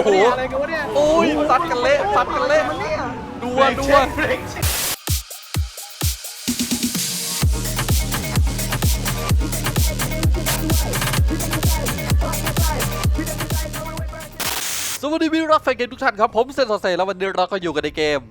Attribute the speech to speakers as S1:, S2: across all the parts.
S1: โห
S2: อะไรกันวะเนี่ย
S1: โอ้ยซัดกันเละซัดกันเละดัวดัวสวัสดีมิตรรักแฟนเกมทุกท่านครับผมเซนโซเซแล้ววันนี้เราก็อยู่กันในเกม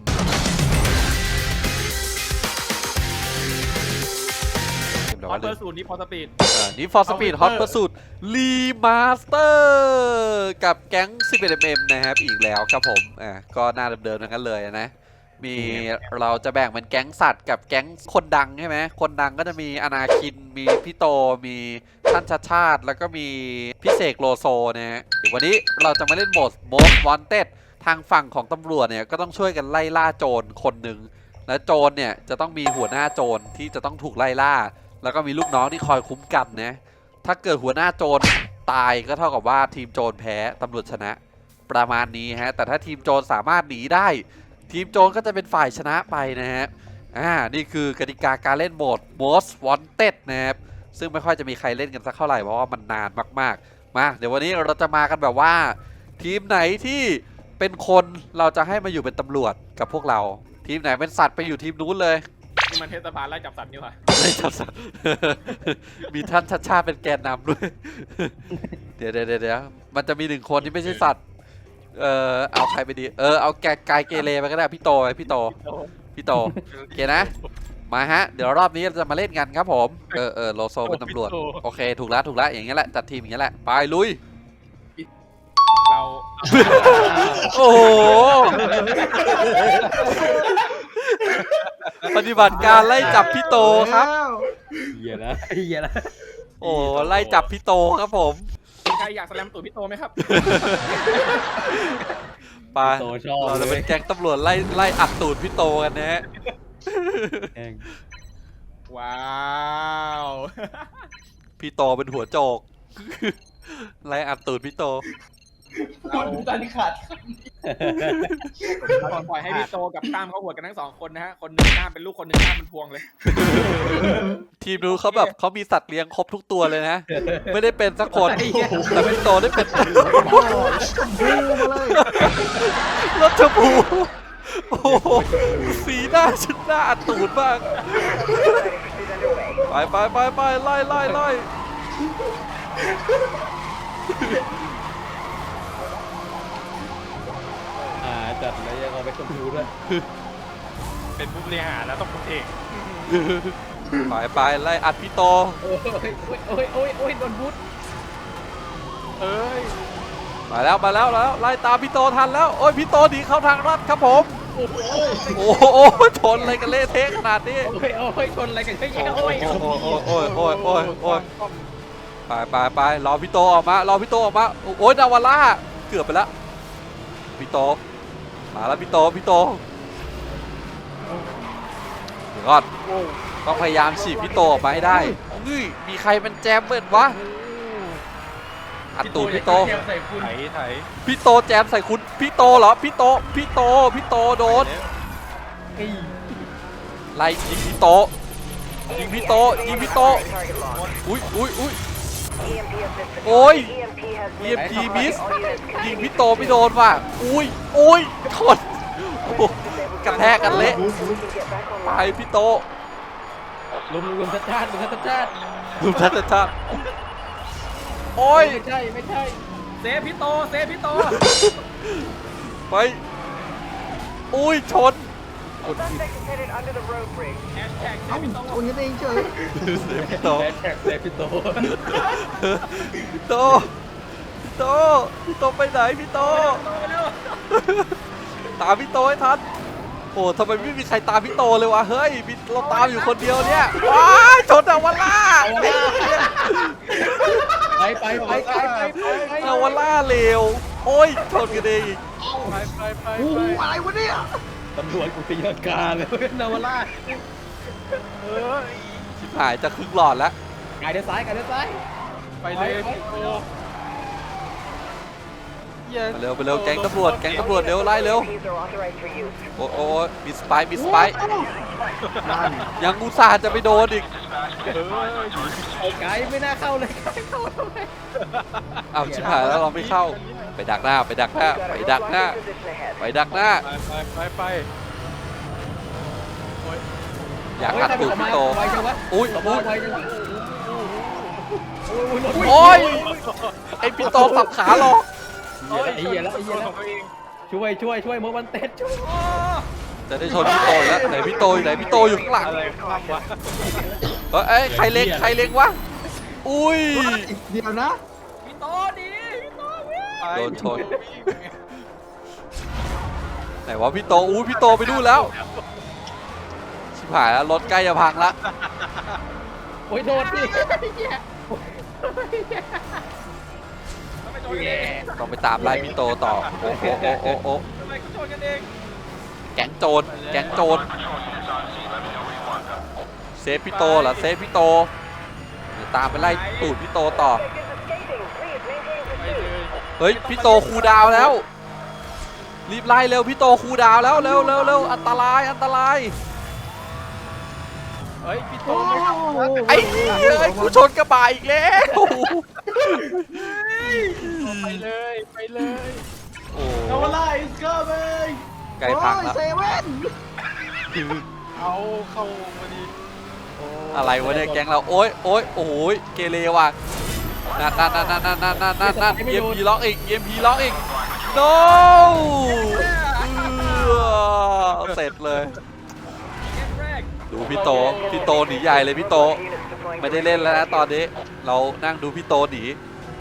S2: ฮอตเบอร์สูตรนี้พอสปีด
S1: นี่ For Speed Hot Pursuit Remaster กับแก๊ง 11mm นะครับอีกแล้วครับผมก็หน้าเดิมๆทั้งนั้นเลยนะมีเราจะแบ่งเป็นแก๊งสัตว์กับแก๊งคนดังใช่ไหมคนดังก็จะมีอนาคินมีพี่โตมีท่านชาติแล้วก็มีพี่เสกโลโซนะฮะเดี๋ยววันนี้เราจะมาเล่นโหมด Most Wanted ทางฝั่งของตำรวจเนี่ยก็ต้องช่วยกันไล่ล่าโจรคนหนึ่งและโจรเนี่ยจะต้องมีหัวหน้าโจรที่จะต้องถูกไล่ล่าแล้วก็มีลูกน้องที่คอยคุ้มกันนะถ้าเกิดหัวหน้าโจรตายก็เท่ากับว่าทีมโจรแพ้ตำรวจชนะประมาณนี้ฮะแต่ถ้าทีมโจรสามารถหนีได้ทีมโจรก็จะเป็นฝ่ายชนะไปนะฮะนี่คือกติกาการเล่นโหมด Most Wanted นะครับซึ่งไม่ค่อยจะมีใครเล่นกันสักเท่าไหร่เพราะว่ามันนานมากๆมาเดี๋ยววันนี้เราจะมากันแบบว่าทีมไหนที่เป็นคนเราจะให้มาอยู่เป็นตำรวจกับพวกเราทีมไหนเป็นสัตว์ไปอยู่ทีมนู้นเลย
S2: นี่มันเทศบาลไล่จับสัตว์นี่หว่า
S1: ไล่จับสัตว์ มีท่านชาติเป็นแกนนำด้วย เดี๋ยวมันจะมีหนึ่งคนที่ไม่ใช่สัตว์เอาใครไปดีเอากายเกเรไปก็ได้พี่โตโอเคนะมาฮะเดี๋ยวรอบนี้เราจะมาเล่นกันครับผมโลโซเป็นตำรวจโอเคถูกแล้วอย่างเงี้ยแหละจัดทีมอย่างเงี้ยแหละไปลุย
S2: เรา
S1: โอ้โหปฏิบัติการไล่จับพี่โตครับ
S3: เหี้ยนะ
S1: โอ้ไล่จับพี่โตครับผม
S2: มีใครอยากแสลมตูดพี่โตไหมครับ
S1: ไปเราจะเป็นแก๊งตำรวจไล่อัดตูดพี่โตกันนะฮะ
S2: ว้าว
S1: พี่โตเป็นหัวโจกไล่อัดตูดพี่โต
S2: เราตันขาดปล่อยให้พี่โตกับตั้มเขาหัวกันทั้งสองคนนะฮะคนหนึ่งตั้มเป็นลูกคนหนึ่งตั้มเป็นพวงเลย
S1: ทีมนู้นเขาแบบเขามีสัตว์เลี้ยงครบทุกตัวเลยนะไม่ได้เป็นสักคนแต่พี่โตได้เป็นรถชมพูโอ้สีหน้าชุดหน้าอัดตูดบ้างไปไล่
S3: จัดแล้วยังเอาไปชมพูด้วย
S2: เป็นผู้บริหารแล้วต้องเป็นเอก
S1: ไปไล่อัดพี่โต
S3: โอ้ยโดนบูท
S1: มาแล้วไล่ตามพี่โตทันแล้วโอ้ยพี่โตหนีเข้าทางลัดครับผมโอ้โหชนอะไรกันเละเทะขนาดนี้
S3: โอ้ยชนอะไรกันเยอะแยะโอ้ย
S1: ไปรอพี่โตออกมาโอ้ยดาวาร่าเกือบไปแล้วพี่โตมาแล้วพี่โตเดี๋ยวก่อนต้องพยายามฉีกพี่โตออกมาให้ได้นี่มีใครเป็นแจมเบิร์ดวะอัดตูดพี่โตพี่โตแจมใส่คุณพี่โตเหรอพี่โตโดนไล่ยิงพี่โตอุ้ยโอ้ยEMPมิสยิงพี่โตไม่โดนว่ะอุ้ยชนกระแทกกันเละไปพี่โต
S3: ลุมทัดชาติ
S1: โอ้ย
S3: ไม่ใช่
S2: เซฟพี่โต
S1: ไปอุ้ยชน
S2: คนกันเองเฉย
S1: พี่โตไปไหนพี่โตตามพี่โตให้ทันโอ้ทำไมไม่มีใครตามพี่โตเลยวะเฮ้ยเราตามอยู่คนเดียวเนี่ยว้ายชนดาวาร่า
S3: ไป
S1: ดาวาร่าเร็วโอ้ยชนกันเอง
S2: ไปอะไรวะเนี่ย
S3: ตำรวจกูตีลังกาเลยนาวาร่า
S1: ชิบหายจะครึ่งหลอดแล้ว
S3: ไกลเดินซ้าย
S2: ไปเลย
S1: มาเร็วไปเร็วแก๊งตำรวจเร็วไล่เร็วโอ้โอ้มีสไปร์ยังอุตส่าห์จะไปโดนอีก
S3: ไอ้ไก่ไม่น่าเข้าเลยไก่เข้าทำไม
S1: เอาชิบหายแล้วเราไม่เข้าไปดักหน้าอยากกัดตูดพี่โต
S3: ไวจังวะ
S1: อุ้ย
S3: ไวจังวะ
S1: โอ้ยไอพี่โตสับขาหรอก
S3: ไอ้เหี้ยแล้วช่วยโมบันเต็ดช่วย
S1: จะได้ชนพี่โตอีกแล้วไหนพี่โตอยู่ไหนพี่โตอยู่ข้างหลัง
S2: อะไรข้ามวะ
S1: เอ้ยใครเล็งวะอุ้ย
S4: เดี๋ยวนะ
S2: พี่โตดีพี่โตวิ่ง
S1: โดนชนไหนวะพี่โตพี่โตไปดูแล้วชิบหายแล้วรถใกล้จะพังละ
S3: โอ้ยโดนดิ
S2: ทำไมโดนกันเอง
S1: ต้องไปตามไล่พี่โตต่อโอ้
S2: ทำไมเขาโดนกันเอง
S1: แก๊งโจรเซฟพี่โตเหรอเซฟพี่โตเดี๋ยวตามไปไล่ตูดพี่โตต่อ
S2: ไปเลย
S1: เฮ้ยพี่โตคูลดาวน์แล้วรีบไล่เร็วพี่โตคูลดาวน์แล้วเร็วอันตราย
S2: เฮ้ยพี่โตไม่ทำนะ
S1: ไอ้เฮ้ยกูชนกระบะอีกแล้ว
S2: ไปเลย
S1: โอ้
S4: โนวาร่าอิสเกอร์เบย์
S1: ไกลพังแล้ว
S4: เซเว่น
S2: เอาเข้ามาดี
S1: อะไรวะเนี่ยแก๊งเราโอ้ยเกเรว่ะนั่นเอ็มพีล็อกอีก no เสร็จเลย
S2: เกมแรก
S1: ดูพี่โตหนีใหญ่เลยพี่โตไม่ได้เล่นแล้วนะตอนนี้เรานั่งดูพี่โตหนี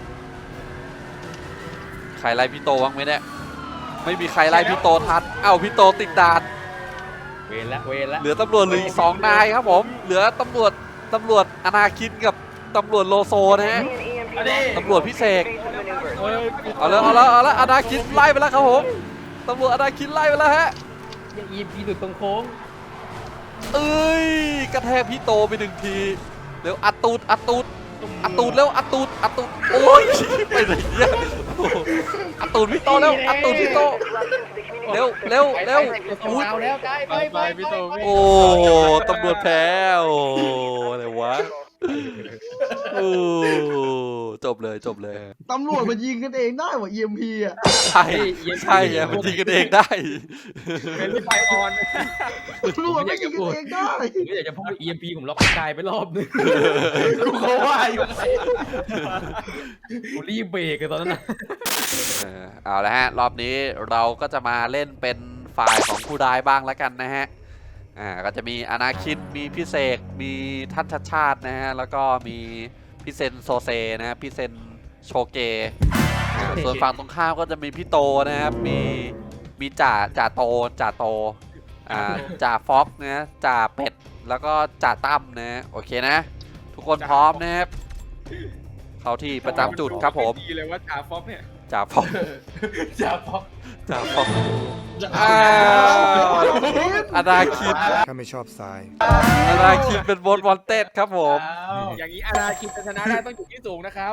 S1: ใครไล่พี่โตบ้างไหมเนี่ยไม่มีใครไล่พี่โตทันเอ้าพี่โตติดด่าน
S3: เวรละ
S1: เหลือตำรวจเหลืออีก2 นายครับผมเหลือตำรวจอนาคินกับตำรวจโลโซนะฮะตำรวจพิเศษเอาแล้วอนาคินไล่ไปแล้วครับผมตำรวจอนาคินไล่ไปแล้วฮะ
S3: ยังอีพีดุดตรงโค้ง
S1: เอ้ยกระแทกพี่โตไป1 ทีเร็วอัดตูดแล้วอัดตูดโอ้ยไปไหนเนี่ยอัดตูดพี่โตแล้วอัดตูดพี่โตเร็วอุ้ย
S3: เอาแล้วไก่ไป
S2: พี่โตวิ่ง
S1: โอ้ตำรวจแพ้โอ้อะไรวะโอ้จบเลย
S4: ตำรวจมายิงกันเองได้ว่ะ EMP อ่ะ
S1: ใช่ไงมันยิงกันเองได้
S2: เป็นไฟออน
S4: ตำรวจมายิงกันเองได้
S3: ผมอยากจะพูด EMP ผมล็อกกายไปรอบนึง
S4: กูเขาว่าอยู่ไง
S3: ผมรีบเบรกตอนนั้นนะ
S1: เอาละฮะรอบนี้เราก็จะมาเล่นเป็นฝ่ายของผู้ร้ายบ้างแล้วกันนะฮะก็จะมีอนาคินมีพิเศษมีท่านชัดชาตินะฮะแล้วก็มีพี่เซนโซเซนะฮะพี่เซนโชเกส่วนฝั่งตรงข้ามก็จะมีพี่โตนะครับมีจ่าโตจ่าฟ็อกนะจ่าเป็ดแล้วก็จ่าตั้มนะโอเคนะ ทุกคนพร้อมนะครับเข้าที่ประจำจุดครับผม
S2: ดีเลยว่าจ่าฟ็อกเนี่ย
S1: จ่าฟ็อก อ้าวอนาคิน
S5: ข้าไม่ชอบทราย
S1: อนาคินเป็นบอสวอนเต็ดครับผม
S2: อย่างนี้อาณาคินจะชนะได้ต้องอยู่ที่สูงนะครับ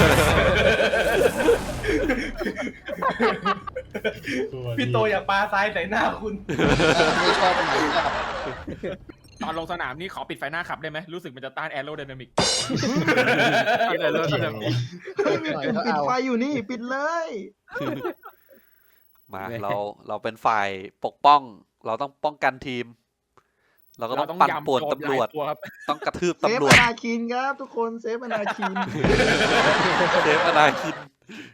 S4: พี่โตอย่าปาทรายใส่หน้าคุณ
S2: ตอนลงสนามนี่ขอปิดไฟหน้าขับได้ไหมรู้สึกมันจะต้านแอโรไดนามิก
S4: ปิดไฟอยู่นี่ปิดเลย
S1: มาเราเป็นฝ่ายปกป้อง เราต้องป้องกันทีม เราก็ต้องปั่นป่วนตำรวจ
S2: ครับ
S1: ต้องกระทืบ
S4: เซฟ
S1: ตำรว
S4: อ
S1: จ
S4: นาคินครับทุกคนเซฟอนาคิน
S1: เซฟอนาคิน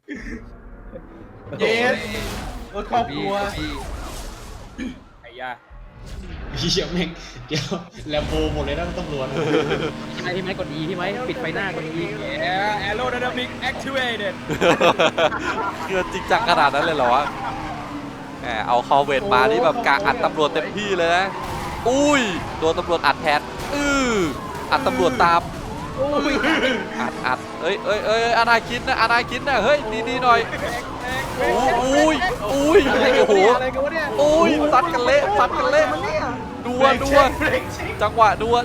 S4: เยสรถครอบครัว
S2: ไอ้ยา
S6: เฮียแม่งเดี๋ยวแลมโบหมดเลยนะตำรวจ
S3: พี่ไม้กด E พี่ไม้ปิดไฟหน้ากด E
S2: แอโรไดนามิกแอคทีเวเต็ด
S1: เกินจริงจังขนาดนั้นเลยเหรอวะแหมเอาคอเวทมานี่แบบกางอัดตำรวจเต็มที่เลยนะอุ้ยโดนตำรวจอัดแทนอัดตำรวจตามอัดเอ้ยอนาคินนะเฮ้ยดีหน่อยอุ้ยโอ้โห
S3: อะไรกันวะเนี่ย
S1: อุ้ยซัดกันเละ
S4: มันเนี่ย
S1: ดัวจังหวะดัว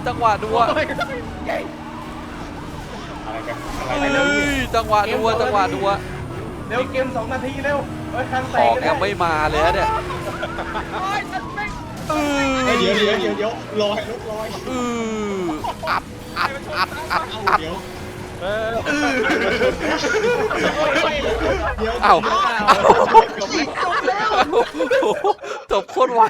S1: เฮ้ยจังหวะดัว
S3: เร็วเกม2 นาทีเร็วเฮ้ยครั้ง
S1: ข
S3: แต
S1: อก งยังไม่มาเลยนะเนี่ย
S2: โอ้ยฉันไม่
S6: เดี๋ยวลอยรถลอย
S1: อัด
S6: เดี๋ยว
S1: เอ้า
S4: จบแล้ว
S1: จบโคตรไว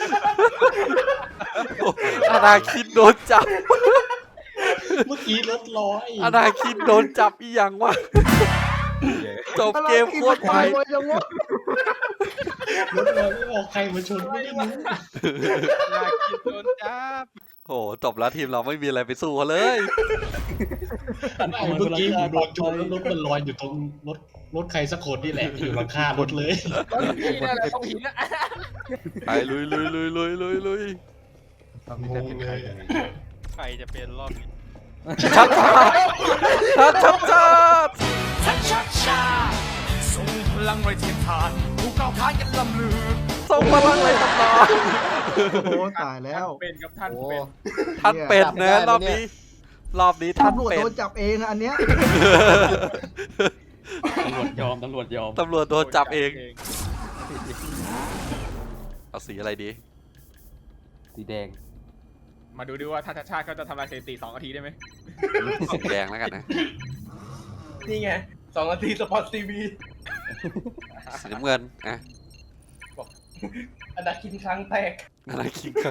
S1: อนาคินโดนจับ
S6: เมื่อกี้รถลอย
S1: อนาคินโดนจับอีหยังวะจบเกมโคตรไว
S4: ไวจังวะ
S6: รถลอยไม่บอกใครมาชนไม่ได้รู้
S2: อยากกินโดนจับ
S1: โอ้จบแล้วทีมเราไม่มีอะไรไปสู้เขาเลย
S6: เมื่อกี้ผมโดนชนแล้วรถมันลอยอยู่ตรงรถใครสักคนนี่แหละอยู่หลังคารถเลย
S2: ตอนนี้เนี่ยแหละต้องหินนะ
S1: ไปลุย
S2: ใครจะเป็นรอบนี้
S1: ชัด
S2: ส่งพลังไรเทียมทานผู้ก้าวท้านกันลำลือ
S1: ส่งพลังเลยตำนาน
S4: โอ้ตายแล้ว
S2: เป็นกับท่านเป็น
S1: ท่านเป็ดนะรอบนี้ท่าน
S4: ตำรวจ
S1: เป็ด
S4: โดนจับเองอะอันเนี้ย
S3: ตำรวจยอม
S1: ตำรวจโดนจับเองเอาสีอะไรดี
S3: สีแดง
S2: มาดูดิว่าท่านชาติเขาจะทำลายสถิติ2 นาทีได้ไหม
S1: สีแดงแล้วกันนะ
S3: นี่ไง2 นาทีสปอร์ตทีวี
S1: สีน้ำเงินอ่ะ
S3: อนาคินครั้งแตก
S1: อะไรคิงครับ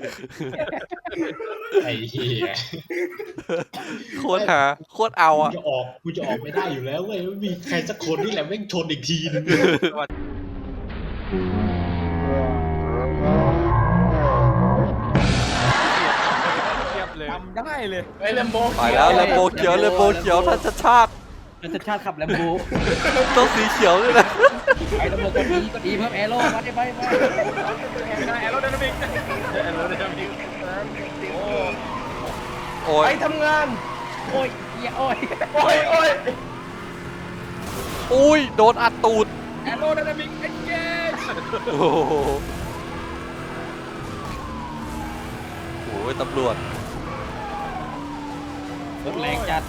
S6: ไอ้เหี้ย
S1: โคตรหาโคตรเอาอ่ะ
S6: กูจะออกไม่ได้อยู่แล้วเว้ยไม่มีใครสักคนนี่แหละแม่งชนอีกทีนึง
S2: เทียบเลยทำได้เลย
S3: ไอ้แลมโบ
S1: ไปแล้วเลโบเขียวท่านชาติ
S3: รัชชาติขับแลมโบ
S1: ต้องสีเขียวด้วยนะ
S3: ไอ้ตำรวจก็ดีเพิ่มแอโร่มาได้ไหม
S2: แอโรไดนามิกแอโรไดนามิกโอ้
S1: โอ้ย
S3: ไปทำงาน โอ้ยอย่าโอ้ยโอ้ย
S1: อุ้ยโดนอัดตูด
S2: แอโรไดนามิกเอ็นเกจ
S1: โอ้โหโอ้ยตำรวจ
S3: รถแรงจัด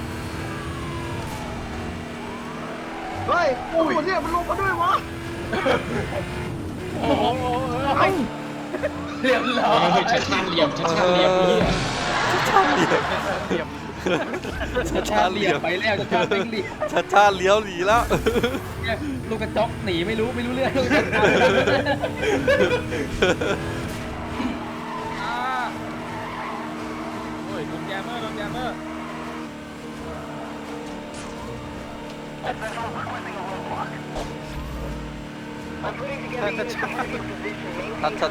S4: เฮ้ยตำรวจเนี่ยมันลงมาด้วยวะ
S3: โอ้โหเรียบร้อย
S6: ชัดชาติเหลี่ยมนี่
S1: ชาติเหลี่ยม
S3: ชาติเหลี่ยมไปแล้วชาติเหลี่ยม
S1: ชาติเลี้ยวหนีแล้ว
S3: ลูกกระจอกหนีไม่รู้เรื่องลูกกระจอก
S2: โอ้ยโดนแยมเมอร์
S1: ท่านชาติ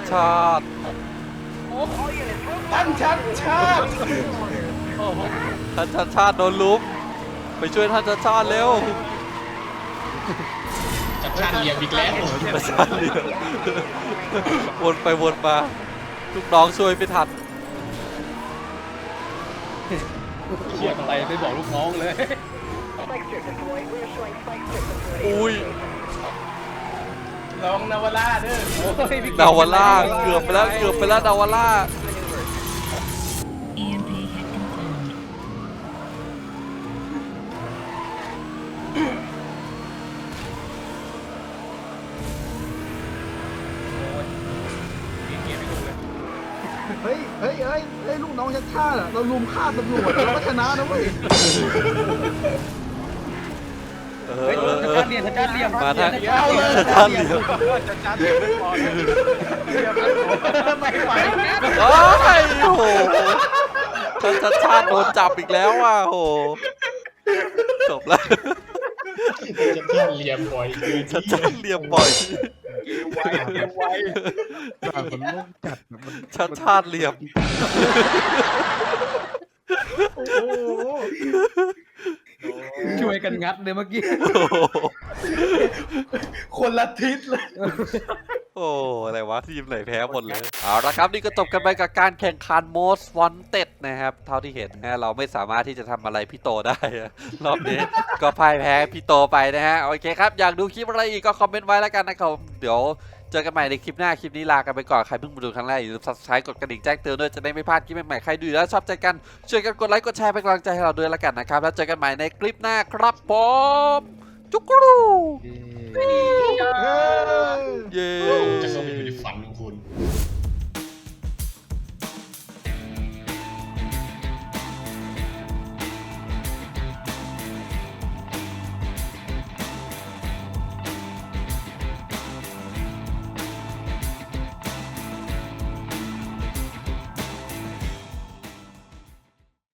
S3: ท่านชัดชาติ
S1: ท่านชาติโดนลุมไปช่วยท่านชาติเร็ว
S6: ชัดชาติเหลี่ยมอีกแล้ว
S1: ท่านชาติเลี้ยววนไปวนมาลูกน้องช่วยไม่ทัน
S3: เขียนอะไรไปบอกลูกน้องเลย
S1: อุ้ย
S3: ลองนาวาร่าเด้อ
S1: ดาวาล่าเกือบไปแล้วดาวาล่า
S5: EMP hit confirmed.
S4: เฮ้ยลูกน้องชัดชาติอะเราลุมฆ่าตำรวจเราก็ชนะนะเว้ย
S3: เฮ้ยชาติเหลี่ยมชาติเหลี่ยม
S1: มาทาง
S3: ชาติเหลี่ยม
S2: จัดไม่พอเลย
S3: ไม่ไหวนะ
S1: โอ้ยโอ้โหท่านชาติโดนจับอีกแล้วว่ะโอ้โหจบแล้ว
S6: ชัดชาติเหลี่ยมบ่อยคือ
S1: ชาติเหลี่ยมบ่อย
S2: ไว
S4: มันโลกจัดนะมัน
S1: ชาติเหลี่ยม
S4: โอ้โห
S3: ช่วยกันงัดเลยเมื่อกี้
S1: โอ้โห
S3: คนละทิศเลย
S1: โอ้อะไรวะทีมไหนแพ้หมดเลยเอาละครับนี่ก็จบกันไปกับการแข่งขัน Most Wanted นะครับเท่าที่เห็นนะเราไม่สามารถที่จะทำอะไรพี่โตได้รอบนี้ก็พ่ายแพ้พี่โตไปนะฮะโอเคครับอยากดูคลิปอะไรอีกก็คอมเมนต์ไว้แล้วกันนะครับเดี๋ยวเจอกันใหม่ในคลิปหน้าคลิปนี้ลากันไปก่อนใครเพิ่งมาดูครั้งแรกอย่าลืม Subscribe กดกระดิ่งแจ้งเตือนด้วยจะได้ไม่พลาดคลิปใหม่ๆใครดูแล้วชอบใจกันช่วยกันกดไลค์กดแชร์เป็นกำลังใจให้เราด้วยแล้วกันนะครับแล้วเจอกันใหม่ในคลิปหน้าครับผม